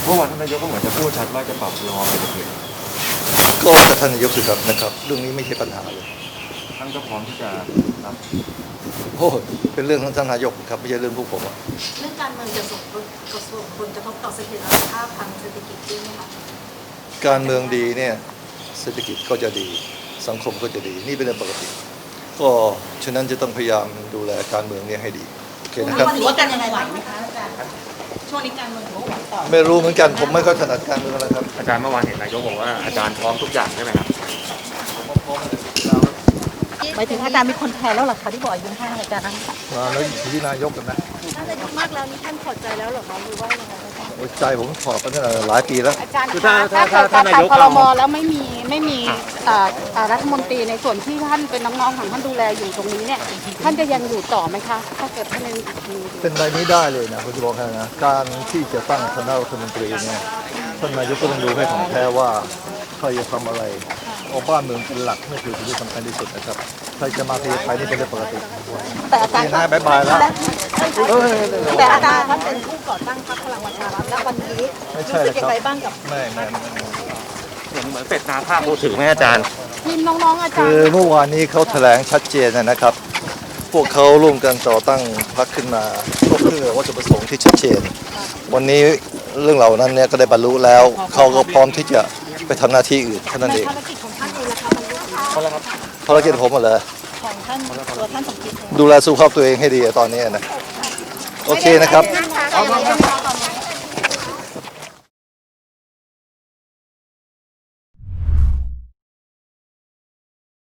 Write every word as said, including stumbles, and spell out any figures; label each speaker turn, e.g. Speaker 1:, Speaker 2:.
Speaker 1: เมื่อวานท่านนายกก็เหมือนจะพูดชัดว่าจะปรับรอเศรษฐกิจ
Speaker 2: ก็แล้วแต่ท่านนายกสิครับนะครับเรื่องนี้ไม่ใช่ปัญหาเลย
Speaker 1: ท่านก็พร้อมที่จะรับ
Speaker 2: โอ้เป็นเรื่องของท่านนายกครับไม่ใช่เรื่องพวกผมอะ
Speaker 3: เรื่องการเมืองจะส่งผลส่งผลกระทบต่อเสถียรภาพทางเศรษฐกิจด้วยไหมคะ
Speaker 2: การเมืองดีเนี่ยเศรษฐกิจก็จะดีสังคมก็จะดีนี่เป็นเรื่องปกติก็ฉะนั้นจะต้องพยายามดูแลการเมืองเนี่ยให้ดีโอเคนะครับ
Speaker 3: ถือว่าการยังไงไหวไหมคะอาจารย์ช่วงนี้การเมืองถือว่าไหวต่อ
Speaker 2: ไม่รู้เหมือนกันผมไม่ค่อยถนัดการเมืองแล้วครับ
Speaker 1: อาจารย์เมื่อวานเห็นนายกบอกว่าอาจารย์พร้อมทุกอย่างใช่ไหมครับ
Speaker 3: หมายถึงอาจารย์มีคนแทนแล้วหรอคะที่บอกยืนให้อาจารย์นะ
Speaker 2: มาแล้วอยู่ที่นายกกันนะ
Speaker 3: ท่านนายกมากแล้วนี่ท่านพอใจแล้วหรอคะหรือว่ายังไงคะ
Speaker 2: ใจผมถอดมาตั้งแต่หลายปีแล้ว
Speaker 3: อาจารย์คะถ้าเกิดการตัดครม.แล้วไม่มีไม่มีรัฐมนตรีในส่วนที่ท่านเป็นน้องๆของท่านดูแลอยู่ตรงนี้เนี่ยท่านจะยังอยู่ต่อไหมคะถ้าเกิดท่านยัง
Speaker 2: เป็นอะไรนี้ได้เลยนะผมจะบอกให้นะการที่จะตั้งคณะรัฐมนตรีเนี่ยท่านนายกก็ต้องดูให้ของแท้ว่าใครจะทำอะไรเอาบ้านเมืองเป็นหลักนี่คือสิ่งที่สำคัญที่สุดนะครับใครจะมาที่ไทยนี่เป็นเรื่องปกติ
Speaker 3: แต่อาจารย์
Speaker 2: นะบายบายแล้ว
Speaker 3: แต่อาจารย์ท่านเป็นผู้ก่อตั้งพรรคพลังประชารัฐและวันนี้
Speaker 2: ไม่ใช่เลยครับ
Speaker 3: บ้างกับ
Speaker 2: ไม่ไม่
Speaker 1: เหมือนเหมือนเป็ดนาภาพพูดถึงไหมอาจารย์
Speaker 3: ทีมน้องๆอาจารย์
Speaker 2: คือเมื่อวานนี้เขาแถลงชัดเจนนะครับพวกเขาร่วมกันต่อตั้งพรรคขึ้นมาก็เพื่อวัตถุประสงค์ที่ชัดเจนวันนี้เรื่องเหล่านั้นเนี่ยก็ได้บรรลุแล้วเขาก็พร้อมที่จะไปทำหน้าที่อื่นแค่นั้นเอง
Speaker 3: ภารกิจของท่านเองนะคะมันรู้
Speaker 2: ภารกิจผมหมดเลย
Speaker 3: ของท่านตัวท่านสมคิด
Speaker 2: ดูแลสุขภาพตัวเองให้ดีตอนนี้นะโอเคนะครับ